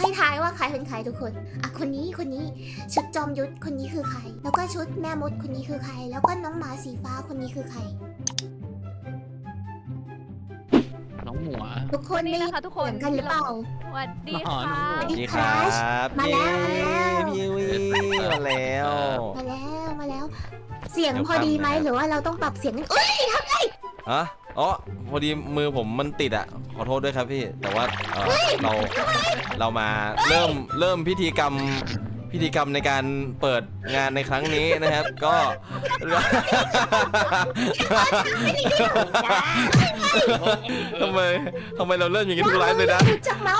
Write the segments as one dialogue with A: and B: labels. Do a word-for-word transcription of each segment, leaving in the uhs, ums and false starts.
A: ให้ทายว่าใครเป็นใครทุกคนอ่ะคนนี้คนนี้ชุดจอมยุทธคนนี้คือใครแล้วก็ชุดแม่มดคนนี้คือใครแล้วก็น้องหมาสีฟ้าคนนี้คือใคร
B: น้องหมัว
A: ทุกคนได้ยินทุกคนกันหรือเปล่า
C: สวัสดีค่ะ
A: สวัสดี
D: ครับ
A: มาแล้วมาแล้ว
D: พี่วีมาแล้ว
A: มาแล้วมาแล้วเสียงพอดีไหมหรือว่าเราต้องปรับเสียงกันเอ้ยทำไง
D: อ๋ออ๋อพอดีมือผมมันติดอ่ะขอโทษด้วยครับพี่แต่ว่าเออเราเรามาเริ่มเริ่มพิธีกรรมพิธีกรรมในการเปิดงานในครั้งนี้นะครับก็ทำไมทำไมเราเริ่มอย่างนี้ทุกไลฟ์เลยนะ
A: จังแล้ว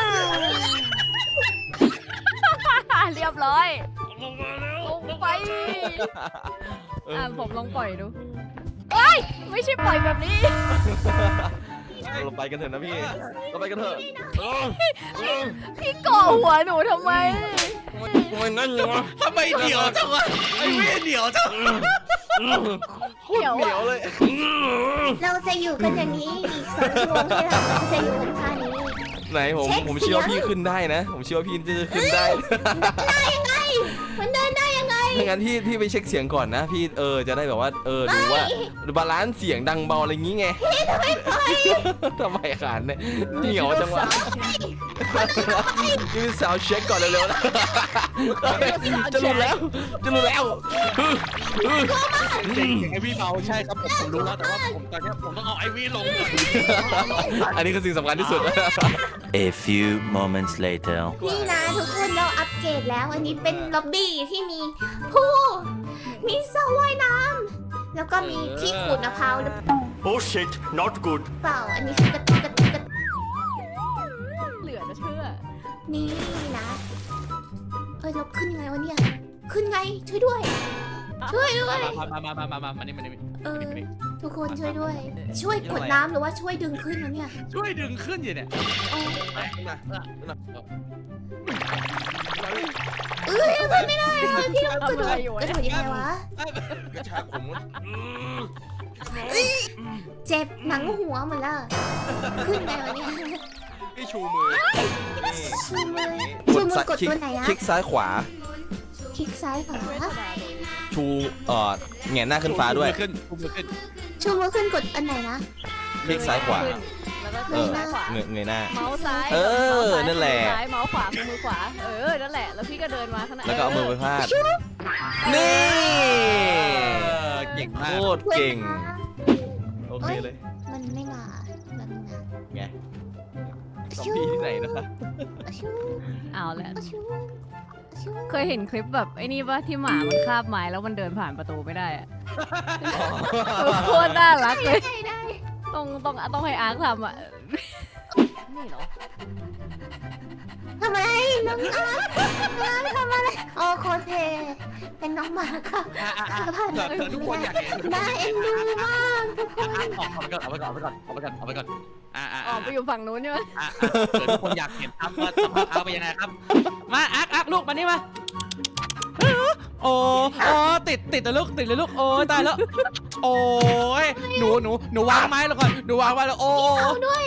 C: เรียบร้อยลงไปอ่าผมลองปล่อยดูเอ้ยไม่ใช่ปล่อยแบบนี้
D: เราไปกันเถอะนะพี่เราไปกันเถอะ
C: พี่ก่อหัวหนูทำไม
D: ทำไมนั่นยังวะ
B: ทำไมเดี่ยวจังวะไอ้เวี่ยเดี่ยวจัง
C: เดี่ยว
D: เดี่ยวเลย
A: เราจะอยู่กันอย่างนี้อีกสองชั่วโมงที่เราจะอยู่กันท่านี้
D: ไหนผมผมเชื่อว่าพี่ขึ้นได้นะผมเชื่อว่าพี่จะขึ้นได้
A: ได้ยังไงมันเดินได้ยังไง
D: ถ้างั้นพี่พี่ไปเช็คเสียงก่อนนะพี่เออจะได้แบบว่าเออดูว่าบาลานซ์เสียงดังเบาอะไรงี้ไง
A: ทำไมไป
D: ทำไมขานเนี่ยเหนียวจังวะนี่สาวเช็คก่อนเร็วๆนะจะรู้แล้วจะรู้แล้ว
B: เสียงไอวี่เบาใช่ครับผมผมรู้แล้วแต่ว่าผมตอนนี้ผมต้องเอาไอวี่ลงก่อน
D: อันนี้คือสิ่งสำคัญที่สุด
E: A few moments later
A: นี่นะทุกคนเราอัปเกรดแล้วอันนี้เป็นล็อบบี้ที่มีผู้มีสระว่ายน้ำแล้วก็มีที่ขูดมะพร้าวหรือ
E: Oh shit not good
A: เปล่าอันนี้คือกระตุกกระตุกกระตุก
C: เหลือจะเชื่อ
A: นี่นะเอ้ยเราขึ้นยังไงวะเนี่ยขึ้นไงช่วยด้วยช่วยด้วย
B: มามามามามามานี่มานี่
A: เออทุกคนช่วยด้วยช่วยกดน้ำหรือว่าช่วยดึงขึ้นนะเนี่ย
B: ช่วยดึงขึ้นอยู่เนี่ย
A: เอ้ยขึ้นไม่ได้พี่ต้องกระโดดกระโดดยังไงวะ
D: กระชากผม
A: เจ็บหนังหัวหมดแล้วขึ้นไงวะเนี่ย
D: พี่ชูมือ
A: ชูมือชูมือกดตัวไหนอะ
D: คลิกซ้ายขวา
A: คลิกซ้ายขวา
D: ชูเอ่อแหงนหน้าขึ้นฟ้าด้วย
B: ขึ้นชูมือขึ้น
A: ชูมือขึ้นกดอันไหนนะ
D: คลิกซ้ายขวา
C: แล้วก็
D: เออเงยเงยหน้า
C: เมาส์ซ้าย
D: เออนั่นแหละ
C: ซ้ายเมาส์ขวามือขวาเออนั่นแหละแล้วพี่ก็เดินมาข้างหน้า
D: แล้วก็เอามือไปพาดนี่
B: เก่งมาก
D: โคตรเก่งโอเคเลย
A: มันไม่มาแบบนึงนะ
D: ไงซอมบี้ที่ไหนนะคะ
C: เอาแหละเคยเห็นคลิปแบบไอ้นี่ป่ะที่หมามันคาบไม้แล้วมันเดินผ่านประตูไม่ได้อะโคตรน่ารักเลยต้องต้องต้องให้อาร์คทำอ่ะนี่เหรอ
A: ทำอะไรน้องอาร์คทำอะไรโอ้โคตรเท่เป็นน้องหมาค่ะ
B: ทุกคนอยากเห็น
A: น่าเอ็นดูมากทุกคน
B: เอาไปก่อนเอาไปก่อนเอาไปก่อนเอาไปก่อนอ่าอ่า
C: ออกไปอยู่ฝั่งนู้นใช่ไหม
B: อ่าเกิดทุกคนอยากเห็นครับว่าเอาไปยังไงครับมาอาร์คอาร์คลูกมานี่มาโอ้โอ้ติดติดเลยลูกติดเลยลูกโอ้ตายแล้วโอ้ยหนูหนูหนูวางไม้แล้วก่อนหนูวางไว้แล้วโอ้
A: ด้วย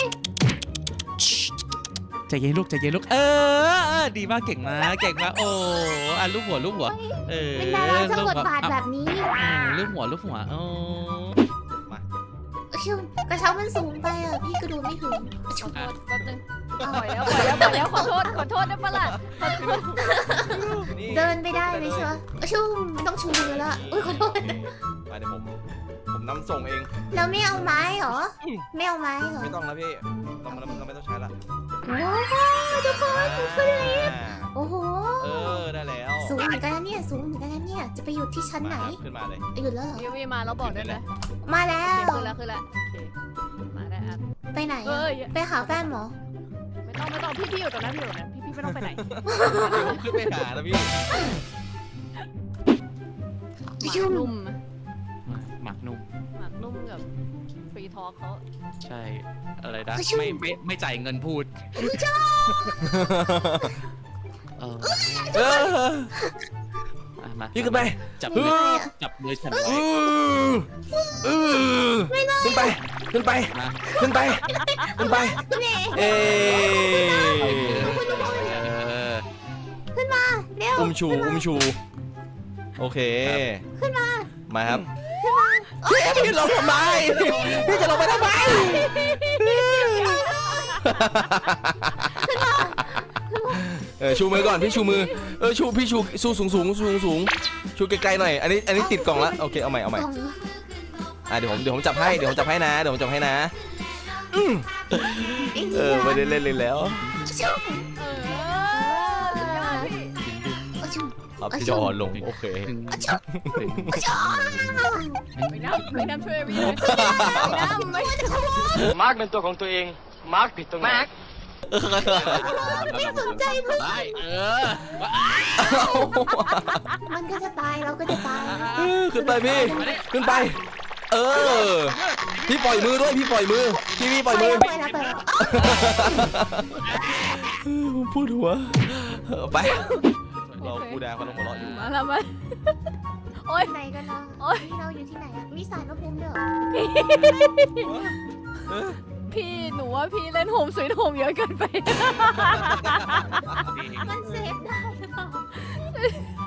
B: ใจเย็นลูกใจเย็นลูกเออดีมากเก่งมากเก่งมากโอ้อ่ะลูกหัวลูกหัวเออ
A: เป็นดาราจะบทบาทแบบนี้
B: ลูกหัวลูกหัวโอ้
A: มาชิวกระเช้ามันสูงไปอ่ะพี่กระโดดไม่ถึง
C: ชิวแป๊บนึงปล่อยแล้วปล่อยแล้วปล่อยแล้วขอโทษขอโทษได้ปะล่ะ
A: เดินไปได้เลยใช่ไหมชิวไม่ต้องชูมือแล้วอุ้ยขอโทษ
D: ไปเดี๋ยวผมผมนำส่งเอง
A: เราไม่เอาไม้หรอไม่เอาไม้หรอ
D: ไม่ต้องแล้วพี่เราเราไม่ต้องใช้ละ
A: โอ้โหทุกคนขึ้นลิฟต์โอ้โห
D: เออได้แล้ว
A: สูงเหมือนกันนะเนี่ยสูงเหมือนกันนะเนี่ยจะไปอยู่ที่ชั้นไหน
D: ขึ้นมาเลย
A: หยุดแล้วเหรอ
C: ยูวีมาแล้วบอกได้ไหม
A: มาแล้ว
C: ขึ้นแล้วขึ้นแล้วมาได้อ่ะ
A: ไปไหนไปหาแฟนหมอ
C: ไม่ต้องไม่ต้องพี่พี่อยู่ตรงนั้นพี่อยู่ตรงนั้นพี่พี่ไม่ต้องไปไหน
D: ขึ้นไปหาแล้วพี่
C: นุ่ม
B: หมักนุ่ม
C: หมักนุ่มกับฟรีทอล์กเขา
B: ใช่อะไรนะไม่ไม่ไม่จ่ายเงินพูด
D: เออ
B: มา
D: ยืดขึ้นไป
B: จับมือจับมือฉันไว้
D: ขึ้นไปขึ้นไปขึ้นไปขึ้นไปเอชูอุ้มชู โอเค
A: ขึ้นมา
D: มาครับพี่ลงทำไมพี่จะลงไปทำไมเออชูมือก่อนพี่ชูมือเออชูพี่ชูชูสูงสูงสูงสูงชูไกลๆหน่อยอันนี้อันนี้ติดกล่องละโอเคเอาใหม่เอาใหม่
A: กล่อง
D: อ่ะเดี๋ยวผมเดี๋ยวผมจับให้เดี๋ยวผมจับให้นะเดี๋ยวผมจับให้นะอืมเออไม่ได้เล่นเลยแล้ว
A: ชุบ
C: เออ
A: ชุบ
D: เอาพี่จอลงโอเค
A: ชุบ
C: ไม่น้ำไม่น้ำช่วยพี่เลยไม่น้ำไม่
F: มาร์กเป็นตัวของตัวเอง มาร์กผิดตรงไหน
A: ไม่สนใจเพื่อน
B: ได้เออ
A: มันก็จะตายเราก็จะตาย
D: เออขึ้นไปพี่ขึ้นไป เออพี่ปล่อยมือด้วยพี่ปล่อยมือพี่พี่ปล่อยมือ
A: ไปแล้วไปแล้ว
D: ผมพูดหัวเออไปเราคูแดงเขาต้องหัวเราะอยู่
C: มาแล้วมาโอ๊ย
A: ไหนกันนะ
C: โอ๊ย
A: เราอยู่ที่ไหนอะมีสารพระภูมิด้วยเหรอ
C: พี่หนูว่าพี่เล่นโฮมสวีทโฮมเยอะเกินไป
A: มันเซฟได้หรือเปล่า